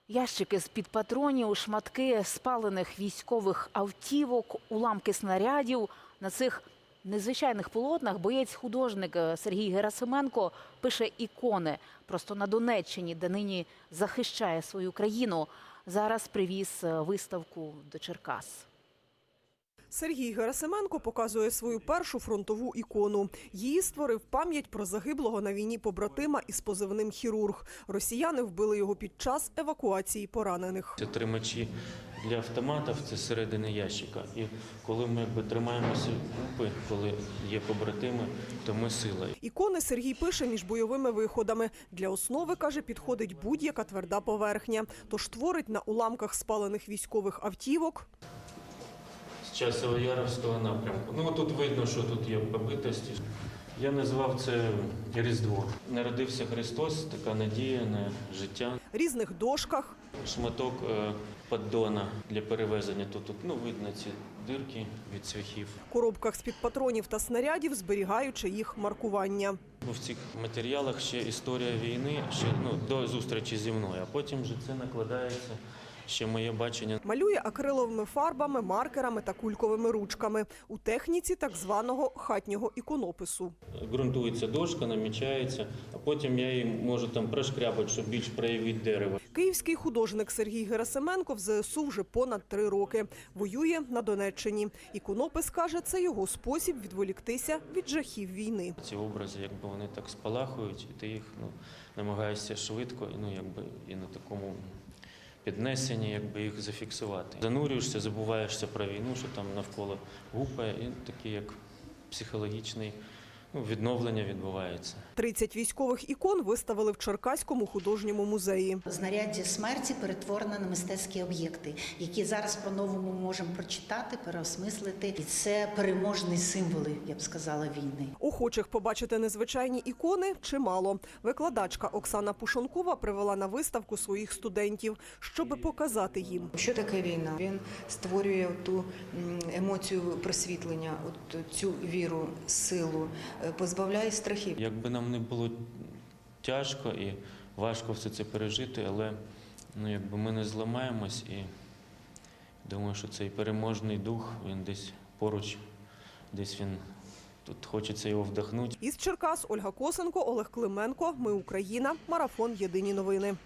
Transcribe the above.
Ящики з-під патронів, шматки спалених військових автівок, уламки снарядів. На цих незвичайних полотнах боєць-художник Сергій Герасименко пише ікони. Просто на Донеччині, де нині захищає свою країну. Зараз привіз виставку до Черкас. Сергій Герасименко показує свою першу фронтову ікону. Її створив пам'ять про загиблого на війні побратима із позивним «Хірург». Росіяни вбили його під час евакуації поранених. Це тримачі для автоматів, це середини ящика. І коли ми тримаємося купи, коли є побратими, то ми сила. Ікони Сергій пише між бойовими виходами. Для основи, каже, підходить будь-яка тверда поверхня. Тож творить на уламках спалених військових автівок. З Часово-Яровського напрямку. Ну, тут видно, що тут є побитості. Я назвав це Різдво. Народився Христос, така надія на життя. Різних дошках. Шматок поддона для перевезення. Тут видно ці дирки від цвяхів. Коробках з-під патронів та снарядів, зберігаючи їх маркування. В цих матеріалах ще історія війни, ще до зустрічі зі мною, а потім вже це накладається. Ще моє бачення. Малює акриловими фарбами, маркерами та кульковими ручками. У техніці так званого хатнього іконопису. Ґрунтується дошка, намічається, а потім я її можу там прошкрябати, щоб більш проявити дерево. Київський художник Сергій Герасименко в ЗСУ вже понад 3 роки. Воює на Донеччині. Іконопис, каже, це його спосіб відволіктися від жахів війни. Ці образи, вони так спалахують, і ти їх намагаєшся швидко, і на такому піднесені, їх зафіксувати. Занурюєшся, забуваєшся про війну, що там навколо гупає, і таке, як психологічне відновлення відбувається. 30 військових ікон виставили в Черкаському художньому музеї. Знаряддя смерті перетворено на мистецькі об'єкти, які зараз по-новому можемо прочитати, переосмислити. І це переможні символи, я б сказала, війни. Охочих побачити незвичайні ікони чимало. Викладачка Оксана Пушонкова привела на виставку своїх студентів, щоби показати їм. Що таке війна? Він створює ту емоцію просвітлення, цю віру, силу, позбавляє страхів. Якби нам не було тяжко і важко все це пережити, але ми не зламаємось, і думаю, що цей переможний дух, він десь поруч, десь він тут хочеться його вдохнути. Із Черкас Ольга Косенко, Олег Клименко. Ми Україна. Марафон. Єдині новини.